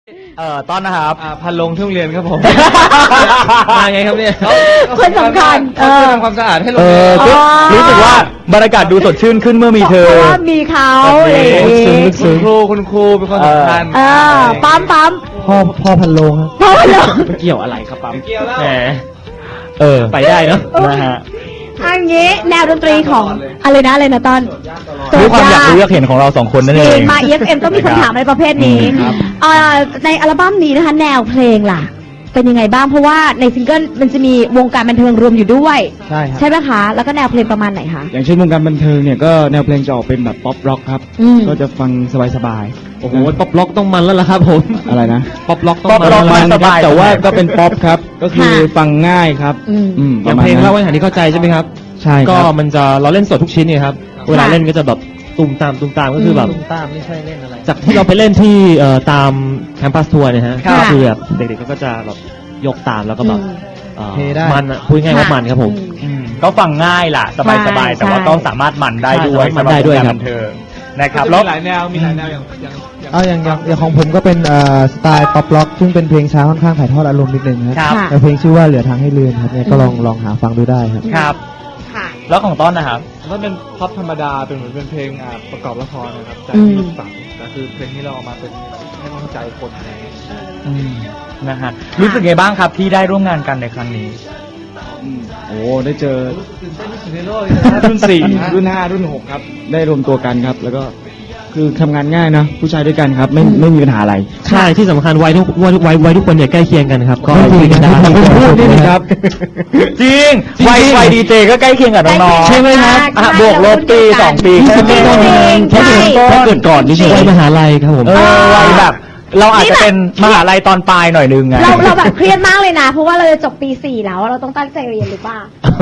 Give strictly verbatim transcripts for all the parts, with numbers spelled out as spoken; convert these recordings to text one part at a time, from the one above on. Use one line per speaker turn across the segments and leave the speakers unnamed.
เอ่อต้อนนะครับ
อ่าพันลงที่โรงเรียนครับผม มาไงครับเนี่ย
คนสำคัญ
เขาจะทำความสะอาดให้โร
เอง
เรีย
อน ก็รู้สึกว่าบรรยากาศดูสดชื่นขึ้นเมื่อมีเธอ
เพราะว่ามีเขาอะไรอย่าง
ลึกซึ้ง
งี้
ลึกซึ้งครูคุณครูเป็นคนสำคัญ
เออปั๊มปั๊ม
พ่อพ่อพันโลงครับ
พ่อพันโลง
เกี่ยวอะไรครับปั๊ม
เกี่ยวแล้ว
แหมเออ ไปได้เนาะนะฮะ
อันนี้แนวดนตรีของอะไรนะอะไรนะตอน
ด้วยความอยากรู้อยากเห็นของเราสองคนนั่น
จ
เอ
ริ
ง
งมา อี เอฟ เอ็ม ต้องมีคำถามอะไรประเภทนี้
ครับ
เอ่อในอัลบั้มนี้นะคะ แนวเพลงล่ะ เป็นยังไงบ้างเพราะว่าในซิงเกิลมันจะมีวงการบันเทิงรวมอยู่ด้วย
ใช่ครับ
ใช่ไหมคะ แล้วก็แนวเพลงประมาณไหนคะ
อย่างเช่นวงการบันเทิงเนี่ยก็แนวเพลงจะออกเป็นแบบป๊อปร็อกครับ
อืม
ก็จะฟังสบาย
โอ้โหป๊อปล็อกต้องมันแล้วล่ะครับผม
ๆอะไรนะ
ป๊อปล็อกต้อง
ป๊อป
มัน
ล็อก
แล้ว
มัน
ล่ะ
สบาย
แต่ว่าก็เป็นป๊อปครับ ก็คือ
ค่ะ
ฟังง่ายครับ
อืม
อืม
อย่างเพลงเล่าไว้หาที่เข้าใจใช่ไหมครับ
ใช่ค
ก็
รับ
มันจะเราเล่นสดทุกชิ้นเนี่ยครับเวลาเล่นก็จะแบบตุมตามตุมตามก็คือแบบ
อืม
ตามไม่ใช่เล่นอะไร
จากที่เราไปเล่นที่เอ่อตามแคมปัสทัวร์เนี่ยฮะ
ค่ะ
ก็คือแบบเด็กๆก็จะแบบยกตามแล้วก็แบบ
อืม
เอ่อ
เทได้
มันอะพูดง่ายๆว่ามันครับผม
อืม
ก็ฟังง่ายล่ะ สบายสบาย
ใช่
แต่ว่า
ใช่
ต้องสามารถมันได้ด้วย
ใช่มันได้ด้วยครับ
สำหวงกาบันเทิงนะครับ
มี
แล้ว
หลายแนวมีหลายแนวอย่างอย่าง
เอาอย่างอย่างอย่างของผมก็เป็นเอ่อสไตล์ป๊อปร็อกซึ่งเป็นเพลงช้าค่อนข้างถ่ายทอดอารมณ์นิดนึงค
ครั
รับ
ค่ะ
แต่เพลงชื่อว่าเหลือทางให้เลือนครับเนี่ยก็ลองลองหาฟังดูได้ครับ
ครับ
ค่ะ
แล้วของต้นนะครับ
ก็เป็นพ็อปธรรมดาเป็นเหมือนเป็นเพลงอ่าประกอบละครนะครับจาก
อืม
ที่ฝังแต่คือเพลงที่เราเอามาเป็นให้กำลังใจคนอะไรอย่างเงี้ย
อืมนะฮะรู้สึกไงบ้างครับที่ได้ร่วมงานกันในครั้งนี้
อืมโอ้ได้เจอ
ตื่นเต้นที่สุดในโลกเลยนะ
รุ่นสี่รุ่นห้ารุ่นหกครับ ได้รวมตัวกันครับ แล้วก็คือทำงานง่ายนะผู้ชายด้วยกันครับ ไม่ไม่มีปัญหาอะไร
ใช่ที่สำคัญวัยทุกวัยทุกวัยวัยทุกคนเนี่ยใกล้เคียงกันครับก็
ไม่จริง
คุยกันได้
นะ
พูดนี่นะครับ
จริงวัยวัยดีเจก็ใกล้เคียงกับน้องๆ
ใช่ไหมครับ
อ่ะบวกลบปีสองปี
จริงๆ
แค่นั้นเอง
ใช่
แค่เกิดก่อนนี่
วัยมหาลัยครับผม
เออวัยแบบ เราอาจจะเป็นมหาลัยตอนปลายหน่อยนึงไง
เราเราแบบเครียดมากเลยนะ เพราะว่าเราจะจบปีสี่แล้วเราต้องตั้งใจเรียนหรือเปล่า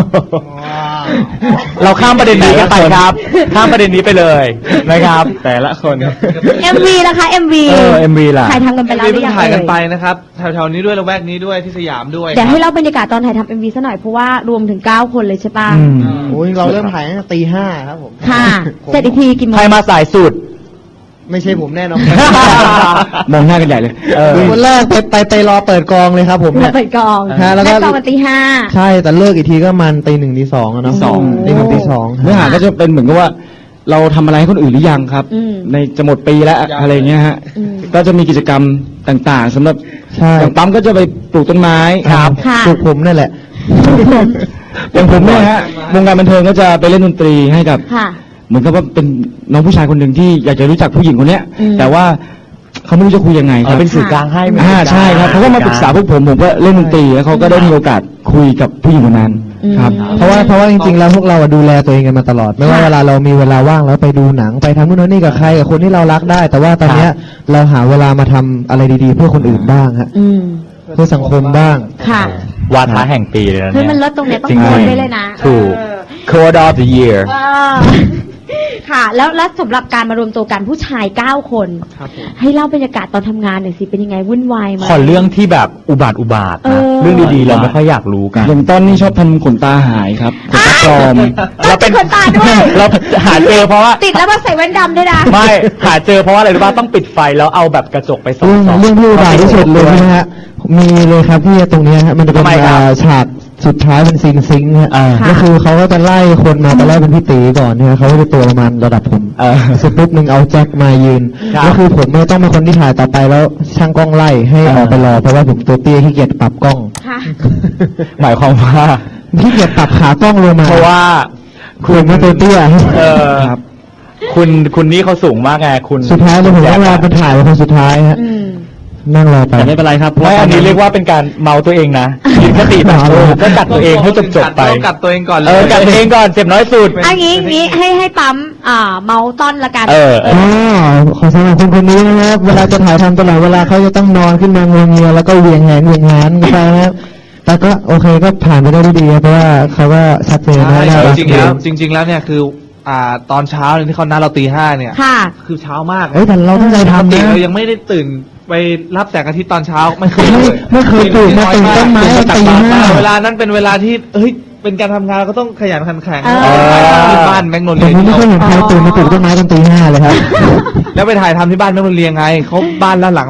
เราข้ามประเด็นนี้กันไปครับ ข้ามประเด็นนี้ไปเลยนะครับ แต่ละคน
เอ็ม วี นะคะ เอ็ม วี
เออ เอ็ม วี ล่ะ
ถ่ายทำกันไปแล้วห
เพิ่
รื
ง
อยัง
ถ่ายกันไป
เอ่ย
นะครับแถวๆนี้ด้วยละแวกนี้ด้วยที่สยามด้วย
เดี๋ยวให้เล่าบรรยากาศตอนถ่ายทำเอ็ม วี ซะหน่อยเพราะว่ารวมถึงเก้าคนเลยใช่ป่ะ
อืม
โอ้ยเราเริ่มถ่ายตั้งแต่ตีห้าครับผม
ค่ะเสร็จอีกทีกี่โม
ใครง มาสายสุด
ไม่ใช่ผมแน่นอน
มองหน้ากันใหญ่เลย
เออ
คนแรกไปไปไปรอเปิดกองเลยครับผม
เรา
เนี่ย
เปิดกอง
ฮะแล้วก็
กองมันตีห้า
ใช่แต่เลิกอีกทีก็มันตีหนึ่งตีสองอะเนาะ
ตีสอง
ตีหนึ่งตีสอง
เนื้อหาก็จะเป็นเหมือนกับว่า เราทำอะไรให้คนอื่นหรือยังครับ
อืม
ในจะหมดปีแล้วอะไรเงี้ยฮะ
อืม
ก็จะมีกิจกรรมต่างๆสำหรับ
ใช่
อย่างปั๊มก็จะไปปลูกต้นไม้
ค่ะ
ปลูกผมนั่นแหละ
อย่างผมเนี่ยฮะวงการบันเทิงก็จะไปเล่นดนตรีให้กับ
ค่ะ
เหมือนกับว่าเป็นน้องผู้ชายคนหนึ่งที่อยากจะรู้จักผู้หญิงคนเนี้ย
อืม
แต่ว่าเขาไม่รู้จะคุยยังไงค
อ๋
รั
อบ เป็นสื่อกลางให้
อ่าใช่ครับเขาก็มาปรึกษาพวกผมผมก็เล่นดนตรีแล้วเขาก็ได้มีโอกาสคุยกับผู้หญิงคนนั้นครับ
เพราะว่าเพราะว่าจริงๆแล้วพวกเราอะดูแลตัวเองกันมาตลอด ไม่ว่าเวลาเรามีเวลาว่างแล้วไปดูหนังไปทำนู่นนี่กับใครกับคนที่เรารักได้ แต่ว่าตอนเนี้ยเราหาเวลามาทำอะไรดีๆ เพื่อคนอื่นบ้างฮะ
อืม
เพื่อสังคมบ้าง
ค่ะ
วาทะแห่งปีเลยนะ
เฮ้ย
เนี่ย
มันลดตรงเนี้ยต้อง
จริง
โพสต์
ๆ
ได้เลยนะ
ถูก
เออ
Code of the Year
ว้าว ค่ะ แล้วแล้วสำหรับการมารวมตัวกันผู้ชายเก้าคน
ครับผม
ให้เล่าบรรยากาศตอนทำงานหน่อยสิ เป็นยังไงวุ่นวายไหม
ขอเรื่องที่แบบอุบาทอุบาท
เอ
นะ
อ
เรื่องดีๆเราไม่ค่อยอยากรู้กัน
อย่างต้นนี่ชอบทำขนตาหายครับขนตาปลอม
เราเป็นคนตาด้วย
เราหาเจอเพราะว่า
ติดแล้วมาใส่แว่นดำด้วยนะ
ไม่หาเจอเพราะว่าอะไรรู้ป่ะต้องปิดไฟแล้วเอาแบบกระจกไปส่อง
เรื่อง
ๆ
เรื่องที่อุบาทที่สุดเลยนะฮะ มีเลยครับที่ตรงเนี้ยฮะมันจะเป็น
ทำไมครับ
อ่าฉากสุดท้ายเป็นซีนซิงค์ฮะ
อ่า
ก็คือเขาก็จะไล่คนมาตอนแรกเป็นพี่ตีก่อนเนี่ยเขาก็จะตัวประมาณระดับผม
เออ
เสร็จปุ๊บหนึ่งเอาแจ็คมายืน
ครับ
ก็คือผมไม่ต้องเป็นคนที่ถ่ายต่อไปแล้วช่างกล้องไล่ให้
เออ
ออกไปรอเพราะว่าผมตัวเตี้ยขี้เกียจปรับกล้อง
ค่ะ
หมายความว่า
ขี้เกียจปรับขากล้องลงมา
เพราะว่า
คุณไม่ตัวเตี้ย
เออ
ครับ
คุณคุณนี่เขาสูงมากไงคุณ
สุดท้ายเลยผมต้องรอเป็นถ่ายเป็นคนสุดท้ายฮะ
อืม
นั่งรอไป
แต่ไม่เป็นไรครับเพราะ
ไม่
ว่า
อันนี้เรียกว่าเป็นการเมาตัวเองนะมีสติแบบโอ้ก็กัดตัวเองให้จบจบๆไป
ต้องกัดตัวเองก่อนเลย
เออกัดตัวเองก่อนเจ็บน้อยสุด
อันนี้งี้ให้ให้ปั๊มอ่าเมาต้อนละกัน
เออ
อ๋อขอสำหรับคนคนนี้นะครับ เวลาจะถ่ายทำตลอดเวลาเขาจะต้องนอนขึ้นมางวงเงียแล้วก็เหวียงแหนเหวียงหานกันไปนะครับแต่ก็โอเคก็ผ่านไปได้ด้วยดีครับเพราะว่าเขาก็ชัดเจนนะ
ใช่
น่ารัก
จริงๆแล้วจริง ๆ แล้วเนี่ยคืออ่าตอนเช้าเนี่ยที่เขานัดเราตีห้าเนี่ย
ค่ะ
คือเช้ามาก
เฮ้ยแต่เราตั้งใจ
ปก
ทำ
ติ
นะ
เรายังไม่ได้ตื่นไปรับแสงอาทิตย์ตอนเช้าไม่เคย
ไม่
เลย
ไม่เคยตื่นมาตื่นต้นไม้
ตื่
ตีห้า
เวลานั้นเป็นเวลาที่เฮ้ยเป็นการทำงานเราก็ต้องขยันขันแข็ง
เออ
ที่บ้านแมกโน
ผม
เลีย
ไม่เคยเห็นใครตื่นมาปลูกต้นไม้ตอนตีห้าเลยครับ
แล้วไปถ่ายทำที่บ้านแมกโนเลียไงเขาบ้านละหลังละ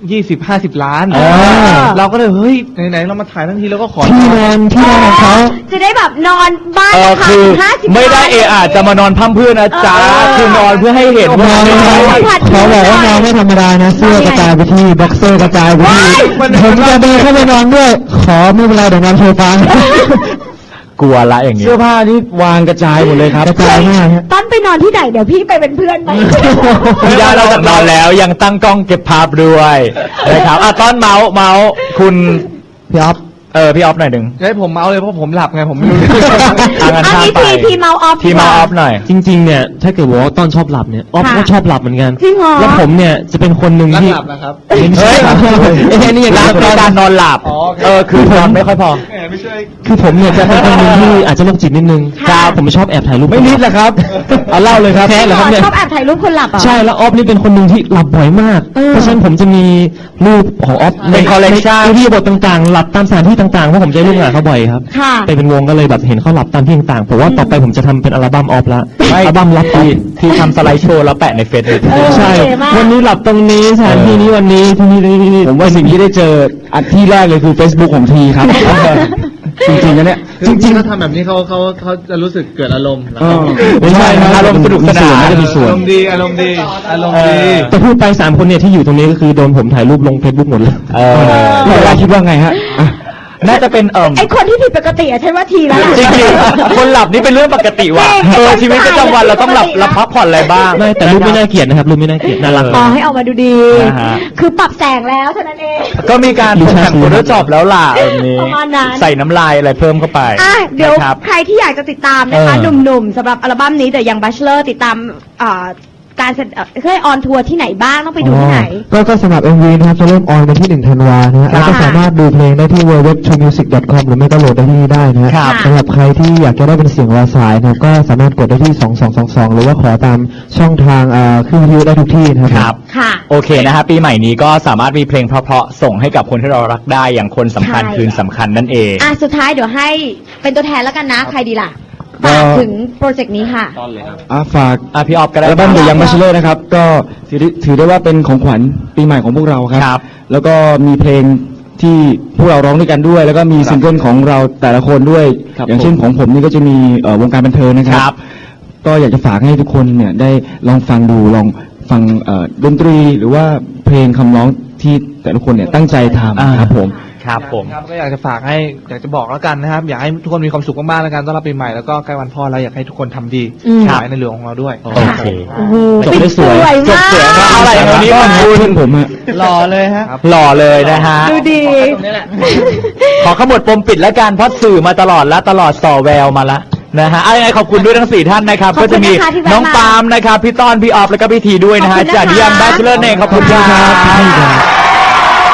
ยี่สิบห้าสิบล้าน
เออ
เราก็เลยเฮ้ยไหนๆเรามาถ่ายทั้งทีเราก็ขอ
ที่นอนที่นอนของเขา
จะได้แบบนอนบ้าน
เออ
ราคา
คือ
ห้าสิบ
ไม่ได้เออาจจะมานอนพั่มเพื่อนนะจ๊ะ
เออ
คือนอนเพื่อให้เห็น
น
ว่า
อนไม่ได้เขาบอกว่านอนไม่ธรรมดานะเสื้อกระจายไปที่บ็อกเซอร์กระจายไปที่ผมจะเดินเข้าไปนอนด้วย ขอไม่เป็นไรเดี๋ยวนอนโซฟา
กลัวละอย่างนี้
เสื้อผ้านี่วางกระจายหมดเลยครับ
กระจายมากฮะ
ต้นไปนอนที่ไหนเดี๋ยวพี่ไปเป็นเพื่อนไหม
พี่ดาเราจากนอนแล้วยังตั้งกล้องเก็บภาพด้วยนะครับอ่ะต้อนเมาส์เมาส์คุณ
พี่อ๊อฟ
เออพี่ออฟหน่อยหนึ่ง
จะให้ผมเมาส์เลยเพราะผมหลับไงผมไม่รู้เรื่อง
ทางกัน
อัน
ข้าม
นี้
ไป
ทีทีเมาออฟ
ทีเมาออฟหน่อย
จริงๆเนี่ยถ้าเกิดว่าต้อนชอบหลับเนี่ยออฟ
ค่ะ
ก็ชอบหลับเหมือนกัน
จริงเหรอ
แล้วผมเนี่ยจะเป็นคนหนึ่ง
รัก
ที่
หลับนะครับ
เฮ้ย
เฮ้ย
เอ้ยนี่อย่าง
รั
นั้
ก
น
ในการนอนหลับ
อ๋อโอเค
เออคือนอนไม่ค่อยพอ
แหมไม่ใช่
คือผมเนี่ยจะเป็นคนหนึ่งที่อาจจะโรคจิตนิดนึง
ค่ะ
ผมชอบแอบถ่ายรูป
ไม่นิดแหละครับ เอาเล่าเลยครับ
แค่เหรอครับเนี่ย
ชอบแอบถ่ายรูปคนหลับเหรอ่ะ
ใช่แล้วออฟนี่เป็นคนหนึ่งที่หลับบ่อยมาก
เออ
เพราะฉะนั้นผมจะมีรูปของออฟ
เป็น collection
ในที่บทต่างๆ หลับตามสถานที่ต่างๆเพราะผมจะได้ร่วมงานเขาบ่อยครับ
ค่ะ
ไปเป็นวงก็เลยแบบเห็นเขาหลับตามที่ต่างๆผมว่าต่อไปผมจะทำเป็นอัลบั้มออฟละ
ไม่
อัลบั้มลับออ
ที่
ฟ
ที่ทำสไลด์โชว์แล้วแปะในเฟซบุ๊ก
เออ
ใช่
โอเคมาก
วันนี้หลับตรงนี้สถานที่นี้วันนี้ที่นี่ที่นี่
ผมว่าสิ่งที่ได้เจออันที่แรกเลยคือ Facebook ของทีครับ จริงๆนะเนี่ย
จริงๆเขาทำแบบนี้เขาเขาเขาจะรู้สึกเกิดอารมณ์
เออ
ไม่ใช่นะ
อารมณ์สนุกสนาน
ก็จะมีส่วน
อารมณ์ดีอารมณ์ดีอารมณ์ดี
แต่พูดไปสามคนเนี่ยที่อยู่ตรงนี้ก็คือโดนผมถ่ายรูปลงเฟซบุ๊กหมดเลย
เออ
พี่ดาคิดว่าไงฮะอ่ะ
น่าจะเป็นเอิ่ม
ไอคนที่ผิดปกติอะฉันว่าทีแล้วล่ะ
จริงๆคนหลับนี่เป็นเรื่องปกติว่ะ
จริง
เออชีวิตประจำวันเราต้องหลับ
ปกตินะ
เราพักผ่อนอะไรบ้าง
ไม่แต่รูปไม่น่าเกลียดนะครับรูปไม่น่าเกลียดน่ารัก
อ๋อให้ออกมาดูดี
นะฮะ
คือปรับแสงแล้วเท่านั้นเอง
ก็มีการตกแต่งโฟโต้จอบแล้วล่ะแบบนี้
ประมาณนั้น
ใส่น้ำลายอะไรเพิ่มเข้าไป
อ่ะเดี๋ยว
นะครับ
ใครที่อยากจะติดตามนะคะ
เออ
หนุ่มๆสำหรับอัลบั้มนี้ The Young Bachelor ติดตามอ่าการแสดงเคยออนทัวร์ที่ไหนบ้างต้องไปดูที่ไหน
ก็ก็สำหรับ เอ็ม วี นะครับจะเริ่มออนวันที่หนึ่งธันวานะฮะ
ครับ
แล้วก็สามารถดูเพลงได้ที่ ดับเบิลยู ดับเบิลยู ดับเบิลยู ดอท ทรูมิวสิก ดอท คอม หรือไม่ก็โหลดได้ที่นี่ได้นะฮะ
ครับ
สำหรับใครที่อยากจะได้เป็นเสียงรอสายนะครับก็สามารถกดได้ที่สองสองสองสองหรือว่าขอตามช่องทางอ่าขึ้นวิทยุได้ทุกที่นะครับ
ครับ
ค่ะ
โอเคนะฮะปีใหม่นี้ก็สามารถมีเพลงเพราะๆส่งให้กับคนที่เรารักได้อย่างคนสำคัญ
ใช่
คืนสำคัญนั่นเอง
อ่ะสุดท้ายเดี๋ยวให้เป็นตัวแทนแล้วกันนะ ใครดีล่ะ
ก็
ฝากถึงโปรเจกต์นี้ค่ะ
อ่ะฝาก
อ่ะพี่ออฟก็ได้
อัลบั้ม
ค
The
รับ
Young Bachelor นะครับ ก็ถือได้ถือได้ว่าเป็นของขวัญปีใหม่ของพวกเราครับ
ครับ
แล้วก็มีเพลงที่พวกเราร้องด้วยกันด้วย แล้วก็มีซิงเกิลของเราแต่ละคนด้วย
ครับ
อย่างเช่นของผมนี่ก็จะมีเอ่อวงการบันเทิงนะค
ค
รั
รับ บ
ก็อยากจะฝากให้ทุกคนเนี่ยได้ลองฟังดูลองฟังเอ่อดนตรีหรือว่าเพลงคำร้องที่แต่ละคนเนี่ยตั้งใจท
อ่า
ำครับผม
ครับผม
ครับก็อยากจะฝากให้อยากจะบอกแล้วกันนะครับ อยากให้ทุกคนมีความสุขมากๆแล้วกันต้อนรับปีใหม่แล้วก็ใกล้วันพ่อแล้วอยากให้ทุกคนทำดี
อืม
ขายในหลวงของเราด้วย
โอเค
โอ้โห
จบได้สวย
ปิด
จบสวยมากอะไรอย่างนี้
ก็
ขอบ
ขอบ
คุ
คุณ ณผมฮะ
หล่อเลยฮะ
หล่อเลยนะฮะ
ดูดี
ขอขมวดปมปิดแล้วกันเพราะสื่อมาตลอดและตลอดส่อแววมาละนะฮะเอายังไงขอบคุณด้วยทั้งสี่ท่านนะครับ
ขอบคุณ
ก็จะมี
นะคะที่แวะ
น้อง
มา
ปาล์มนะครับพี่ต้อนพี่ออฟแล้วก็พี่ทีด้วยนะฮะ
ขอบคุณนะคะ
จากยังแบชเลอร์เองขอบคุณค
ข
รั
อบคุณค่ะ
บ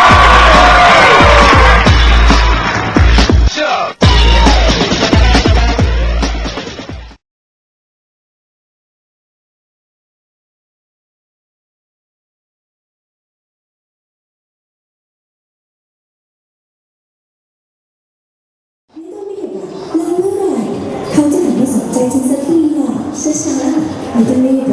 ไม่ต้องไม่เห็นหรอกแล้วเมื่อไหร่เขาจะหันมาสนใจฉันสักทีล่ะช้าๆไม่ต้องรีบ